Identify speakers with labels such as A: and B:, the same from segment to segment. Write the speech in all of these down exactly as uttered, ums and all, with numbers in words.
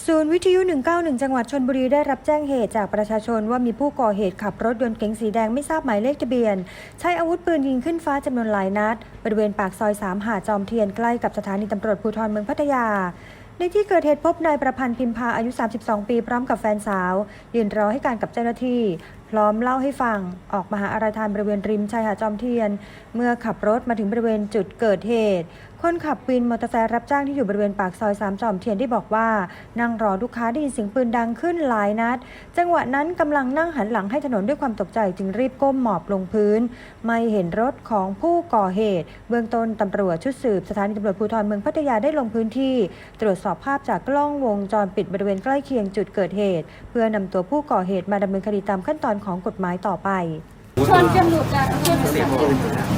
A: ศูนย์วิทยุหนึ่งเก้าหนึ่งจังหวัดชลบุรีได้รับแจ้งเหตุจากประชาชนว่ามีผู้ก่อเหตุขับรถยนต์เก๋งสีแดงไม่ทราบหมายเลขทะเบียนใช้อาวุธปืนยิงขึ้นฟ้าจำนวนหลายนัดบริเวณปากซอยสามหาดจอมเทียนใกล้กับสถานีตำรวจภูธรเมืองพัทยาในที่เกิดเหตุพบนายประพันธ์พิมพาอายุสามสิบสองปีพร้อมกับแฟนสาวยืนรอให้การกับเจ้าหน้าที่พร้อมเล่าให้ฟังออกมาหาอะไรทานบริเวณริมชายหาดจอมเทียนเมื่อขับรถมาถึงบริเวณจุดเกิดเหตุคนขับวินมอเตอร์ไซค์รับจ้างที่อยู่บริเวณปากซอยสามจอมเทียนได้บอกว่านั่งรอลูกค้าได้ยินเสียงปืนดังขึ้นหลายนัดจังหวะนั้นกำลังนั่งหันหลังให้ถนนด้วยความตกใจจึงรีบก้มหมอบลงพื้นไม่เห็นรถของผู้ก่อเหตุเบื้องต้นตำรวจชุดสืบสถานีตำรวจภูธรเมืองพัทยาได้ลงพื้นที่ตรวจสอบภาพจากกล้องวงจรปิดบริเวณใกล้เคียงจุดเกิดเหตุเพื่อนำตัวผู้ก่อเหตุมาดำเนินคดีตามขั้นตอนของกฎหมายต่อไป
B: ชนจนหลุดจากชนเสียงปืน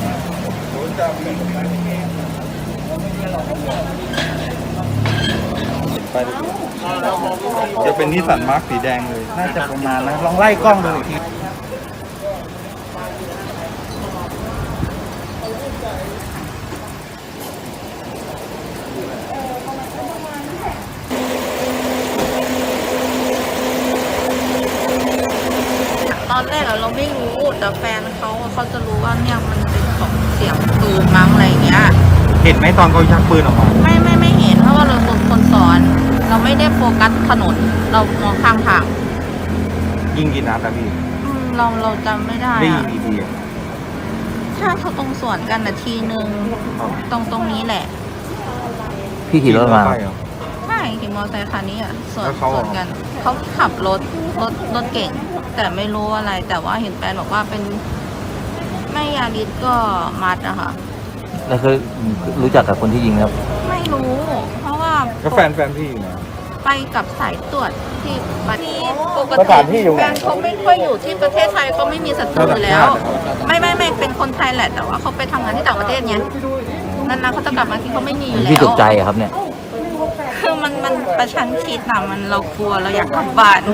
C: จะเป็นนิสสันมาร์คสีแดงเลย
D: น่าจะประมาณนะลองไล่กล้องดูอีกที
E: ตอนแรกเราไม่รู้แต่แฟนเขาเขาจะรู้ว่าเนี่ยมันเป็นของเสียงปืนมั้งอะไรเงี้ย
C: เห็นไหมตอนเขาชักปืนออกมา
E: ไม่ไม่ไม่เห็นเพราะว่าเราเป็นคนสอนเราไม่ได้โฟกัสถนนเรามองข้างทาง
C: ยิงกี่นัดอะพี่
E: เราเราจำไม่ได้
C: ได้ยิงกี่ที
E: ถ้าเขาตรงสวนกันนาทีหนึ่งตรงตรงนี้แหละ
D: พี่ขี่รถมา
E: ใช่ขี่มอเตอร์ไซค์คันนี้อ่ะสวนสวนกันเขาขับรถรถรถเก่งแต่ไม่รู้อะไรแต่ว่าเห็นแฟนบอกว่าเป็นไม่ยาริสก็มัดอะค่ะ
D: แล้วเคยรู้จักกับคนที่ยิงครับ
E: ไม่รู้เพราะว่า
C: ก็แฟนแฟนพี่อยู่นะ
E: ไปกับสายตรวจที่ประเทศปกติแฟนเขาไม่ค่อยอยู่ที่ประเทศไทยเขาไม่มีศัตรูอยู่แล้วไม่ไม่ไม่เป็นคนไทยแหละแต่ว่าเขาไปทำงานที่ต่างประเทศเนี้ยนั่นนะเขาจะกลับมาที่เขาไม่มีอยู่แล้ว
D: พี่ตกใจครับเนี่ย
E: คือมันมันประชันคิดนะมันเรากลัวเราอยากกลับบ้าน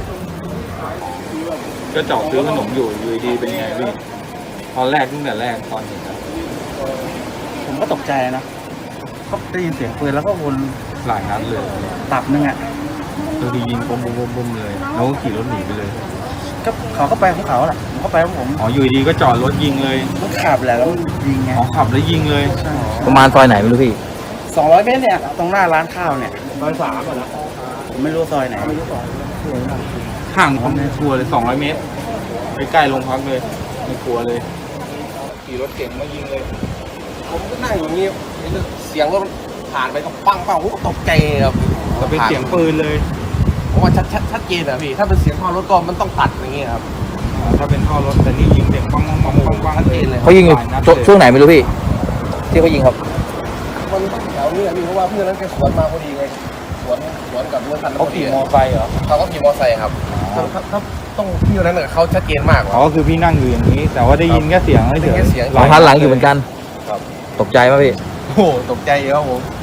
C: ก็จอดซื้อขนมอยู่อยู่ดีเป็นไงพี่ตอนแรกตั้งแต่แรกตอนเห็นนะ
D: ผมก็ตกใจนะก็ได้ยินเสียงปืนแล้วก็วน
C: หลายนัดเลย
D: ตับนึงอ่ะ
C: ตัวทียิงปุ้มปุ้มปุ้มเลยแล้วก็ขี่รถหนีไปเลย
D: ก็เขาก็ไปของเขาแหละผมก็ไปของผม
C: อ๋ออยู่ดีก็จอดรถยิงเลย
D: มันขับแหละแล้วยิงไง
C: อ๋อขับแล้วยิงเลย
D: ประมาณซอยไหนไม่รู้พี่สองร้อยเมตรเนี่ยตรงหน้าร้านข้าวเนี่ยซอยสามอ่ะนะผมไม่รู้ซอยไหนไม่รู้ซอย
C: ห่างความกลัวเลยสองร้อยเมตรไปใกล้โรงพักเลยไม่กลัวเลยขี่รถเก่งมายิงเลย
F: ผมก็นั่งอย่างนี้เสียงรถผ่านไปก็ปังปังผมก็ตกใจครับ
C: แต่เป็นเสียงปืนเลย
F: เพราะว่าชัดชัดชัดเจนอะพี่ถ้าเป็นเสียงท่อรถก็มันต้องตัดอย่างงี้ครับ
C: ถ้าเป็นท่อรถแต่นี่ยิงเสียงปังปังปังปังปังชัดเจนเลย
D: เขายิงช่วงไหนไม่รู้พี่ที่เขายิงครับ
F: มันแถวนี้พี่เพราะว่าเพื่อนนั้นแกสวนมาพอดีไงสวนสวนกับรถคัน
C: เขาขี่มอไซค์เหรอ
F: เขาก็ขี่มอไซค์ครับถ้าต้องพี่คนนั้นเนี่ยเขาชัดเจนมาก
C: อ๋อคือพี่นั่งอยู่อย่างนี้แต่ว่าได้ยินแค่เสียงไม่
F: เสียง
D: หลังพันหลังอยู่เหมือนกันตกใจไหมพี่
F: โอ้ตกใจเยอะครับผม